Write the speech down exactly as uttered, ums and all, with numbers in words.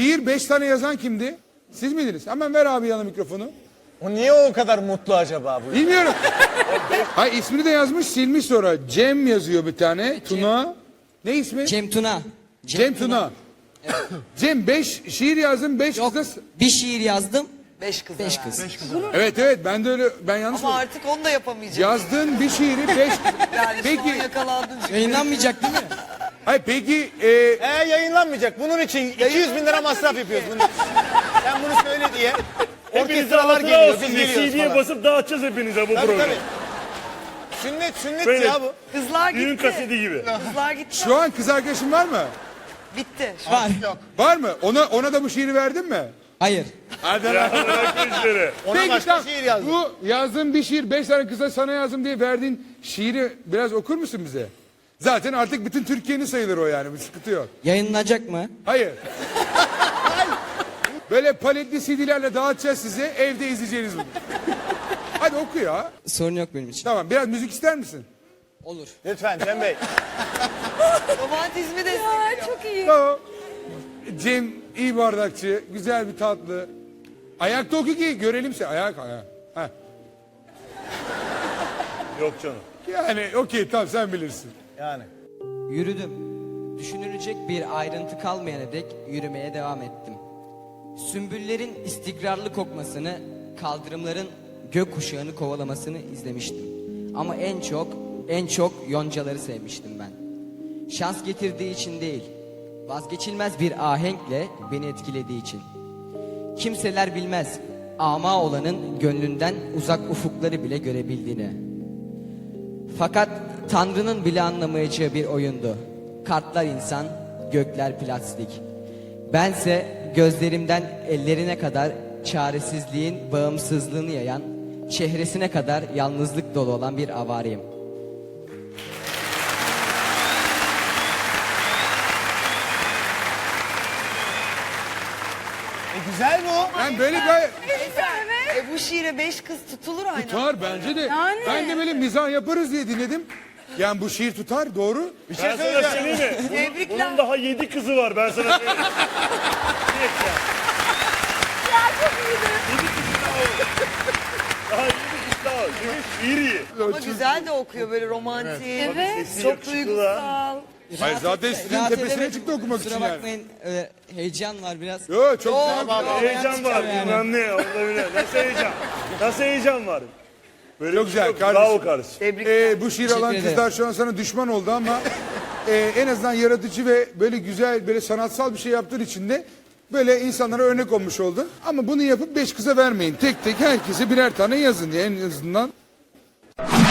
şiir beş tane yazan kimdi? Siz miydiniz? Hemen ver abi yana mikrofonu. O niye o kadar mutlu acaba bu? Bilmiyorum. Hayır ismini de yazmış silmiş sonra. Cem yazıyor bir tane. Tuna. Ne ismi? Cem Tuna. Cem Tuna. Cem beş şiir yazdın beş Yok, kız. bir şiir yazdım. Beş kız. Beş kız. Evet evet ben de öyle ben yanlış Ama mı? artık onu da yapamayacağım. Yazdığın bir şiiri beş. Yani şu Peki. an yakalandın. çünkü. Yayınlanmayacak değil mi? Hayır peki e, Ee yayınlanmayacak. Bunun için iki yüz bin lira masraf yapıyoruz. Bunun için. Sen bunu söyle diye. Hepinize Orkestralar hatıra geliyor, olsun biz diye geliyoruz C D'ye falan. basıp dağıtacağız hepinize bu Tabii programı. tabii. Sünnet sünnet Böyle. ya bu. Kızlar gitti. Düğün kaseti gibi. Kızlar gitti. şu an kız arkadaşın var mı? Bitti. Var. Var mı? Ona ona da bu şiiri verdin mi? Hayır. Hadi Ya bırak işleri. Ona Peki, başka tamam. şiir yazdım. Bu yazdığın bir şiir beş tane kıza sana yazdım diye verdiğin şiiri biraz okur musun bize? Zaten artık bütün Türkiye'nin sayılır o yani bir sıkıntı yok. Yayınlanacak mı? Hayır. Böyle paletli C D'lerle dağıtacağız size evde izleyeceğiniz bunu. Hadi oku ya. Sorun yok benim için. Tamam biraz müzik ister misin? Olur. Lütfen Cem Bey. Romantizmi destekliyor. Çok iyi. Tamam. Cem iyi bardakçı, güzel bir tatlı. Ayakta oku ki görelim seni. Ayak ayak. Heh. Yok canım. Yani okey tamam sen bilirsin. Yani. Yürüdüm. Düşünülecek bir ayrıntı kalmayana dek yürümeye devam ettim. Sümbüllerin istikrarlı kokmasını, kaldırımların gökkuşağını kovalamasını izlemiştim. Ama en çok, en çok yoncaları sevmiştim ben. Şans getirdiği için değil, vazgeçilmez bir ahenkle beni etkilediği için. Kimseler bilmez, ama olanın gönlünden uzak ufukları bile görebildiğini. Fakat Tanrı'nın bile anlamayacağı bir oyundu. Kartlar insan, gökler plastik. Bense gözlerimden ellerine kadar çaresizliğin bağımsızlığını yayan, çehresine kadar yalnızlık dolu olan bir avariyim. E güzel bu. Ben böyle gayet... E bu şiire beş kız tutulur aynı. Tutar bence de. Ben de böyle mizah yaparız diye dinledim. Yani bu şiir tutar doğru. Bir şey Ben sana söyleyeceğim. söyleyeyim mi? Bunun, Tebrikler. bunun daha yedi kızı var ben sana söyleyeyim. Direkt ya. Yedi kızı daha var. Daha yedi kızı daha var. Çünkü şiir iyi. Ama güzel de okuyor böyle romantik. Evet. Sesi Çok yakışıklı da. duygusal. Hayır zaten sizin Rahat tepesine edemedim. çıktı okumak Kusura için yani. bakmayın, öyle heyecan var biraz. Yo çok güzel. Heyecan var bilmem ne olabilir. Nasıl heyecan? Nasıl heyecan var? Böyle Çok bir şey güzel yok. kardeşim. Bravo kardeşim. Tebrikler. Ee, bu şiir Teşekkür alan ederim. kızlar şu an sana düşman oldu ama e, en azından yaratıcı ve böyle güzel böyle sanatsal bir şey yaptığın için de böyle insanlara örnek olmuş oldun. Ama bunu yapıp beş kıza vermeyin. Tek tek herkese birer tane yazın diye en azından.